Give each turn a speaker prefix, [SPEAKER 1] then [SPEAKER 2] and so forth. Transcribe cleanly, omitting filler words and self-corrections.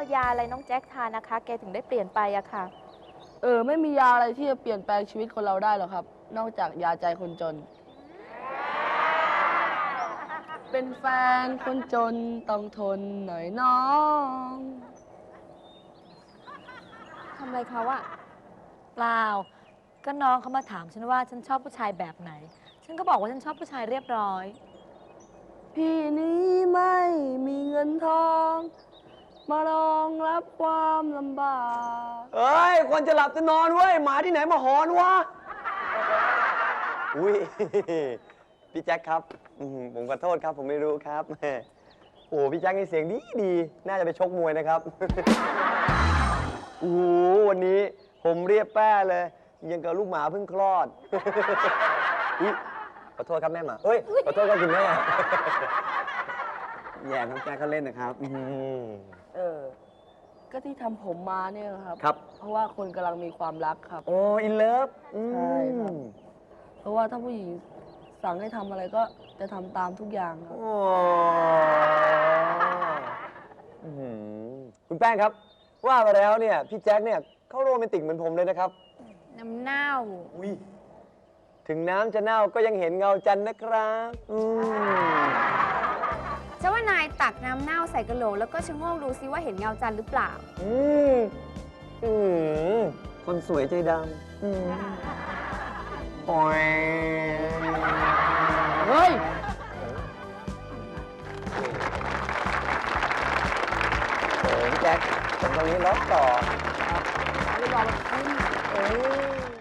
[SPEAKER 1] ยาอะไรน้องแจ็คทานนะคะ แกถึงได้เปลี่ยนไปอะค่ะ
[SPEAKER 2] ไม่มียาอะไรที่จะเปลี่ยนแปลงชีวิตคนเราได้หรอกครับ นอกจากยาใจคนจน เป็นแฟนคนจนต้องทนหน่อยน้อง
[SPEAKER 1] ทำอะไรเขาอะ
[SPEAKER 3] เปล่า ก็น้องเขามาถามฉันว่าฉันชอบผู้ชายแบบไหน ฉันก็บอกว่าฉันชอบผู้ชายเรียบร้อย
[SPEAKER 2] พี่นี้ไม่มีเงินทอง มารองรับความลำบาก
[SPEAKER 4] เอ้ยคนจะหลับจะนอนเว้ยหมาที่ไหนมาหอนวะ อุ้ย พี่แจ็คครับผมขอโทษครับผมไม่รู้ครับแหมโอ้พี่แจ็คนี่เสียงดีดีน่าจะไปชกมวยนะครับ โอ้โหวันนี้ผมเรียบแป้เลย ยังกับลูกหมาเพิ่งคลอด อุ๊ยขอโทษครับแม่หมาเอ้ยขอโทษครับคุณแม่ แย่น้องแจ็คเขาเล่นนะครับ
[SPEAKER 2] ก็ที่ทำผมมาเนี่ยครับ
[SPEAKER 4] ครับ
[SPEAKER 2] เพราะว่าคนกำลังมีความรักครับ
[SPEAKER 4] โอ้อินเลิฟ
[SPEAKER 2] ใช่ครับ เพราะว่าถ้าผู้หญิงสั่งให้ทำอะไรก็จะทำตามทุกอย่างครับ
[SPEAKER 4] โอ้คุณแป้งครับ ว่ามาแล้วเนี่ยพี่แจ็คเนี่ยเขาโรแมนติกเหมือนผมเลยนะครับ
[SPEAKER 1] น้ำเน่า
[SPEAKER 4] อุ้ยถึงน้ำจะเน่าก็ยังเห็นเงาจันทร์นะครับ
[SPEAKER 1] จะว่านายตักน้ำเน่าใส่กระโหลกแล้วก็ชะโงกดูซิว่าเห็นเงาจันทร์หรือเปล่า
[SPEAKER 4] คนสวยใจดำโอ้ย
[SPEAKER 2] เฮ้ย
[SPEAKER 4] โอ้ยแจ็คผมตรงนี้ล็อกต่อ
[SPEAKER 2] ไม่รอมาขึ้น
[SPEAKER 4] เอ้ย